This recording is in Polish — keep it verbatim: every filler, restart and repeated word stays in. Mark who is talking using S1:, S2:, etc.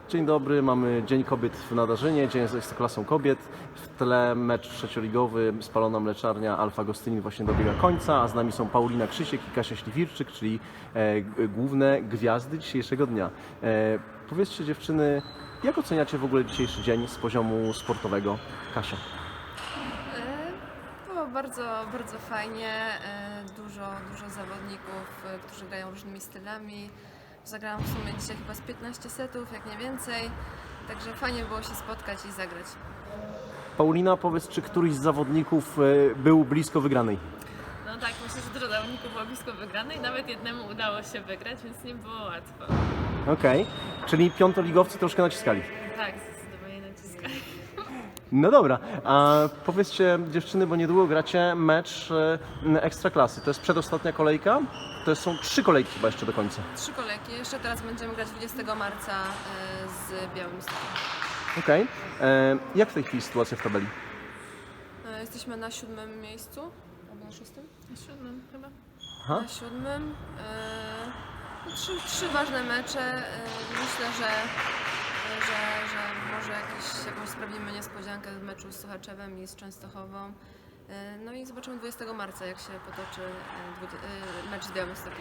S1: Dzień dobry, mamy Dzień Kobiet w Nadarzynie, Dzień z Ekstraklasą Kobiet. W tle mecz trzecioligowy, Spalona Mleczarnia Alfa Gostynin właśnie dobiega końca, a z nami są Paulina Krzysiek i Kasia Śliwirczyk, czyli e, g- główne gwiazdy dzisiejszego dnia. E, powiedzcie dziewczyny, jak oceniacie w ogóle dzisiejszy dzień z poziomu sportowego? Kasia.
S2: E, Było bardzo, bardzo fajnie. E, Dużo, dużo zawodników, e, którzy grają różnymi stylami. Zagrałam w sumie dzisiaj chyba z piętnaście setów, jak nie więcej. Także fajnie było się spotkać i zagrać.
S1: Paulina, powiedz, czy któryś z zawodników e, był blisko wygranej?
S3: No tak, myślę, że dużo zawodników było blisko wygranej, nawet jednemu udało się wygrać, więc nie było łatwo.
S1: Okej, czyli piątoligowcy troszkę naciskali.
S3: Tak, zdecydowanie naciskali.
S1: No dobra, a powiedzcie dziewczyny, bo niedługo gracie mecz e, Ekstraklasy. To jest przedostatnia kolejka? To są trzy kolejki chyba jeszcze do końca.
S2: Trzy kolejki. Jeszcze teraz będziemy grać dwudziestego marca e, z Białymstokiem.
S1: Okej. E, Jak w tej chwili sytuacja w tabeli?
S2: E, Jesteśmy na siódmym miejscu. Albo na szóstym?
S3: Na siódmym chyba.
S1: Aha.
S2: Na siódmym. E, no trzy, trzy ważne mecze. E, myślę, że, że, że może jakiś, jakąś sprawimy niespodziankę w meczu z Sochaczewem i z Częstochową. E, no i zobaczymy dwudziestego marca, jak się potoczy e, dwudzie- e, mecz z Białymstokiem.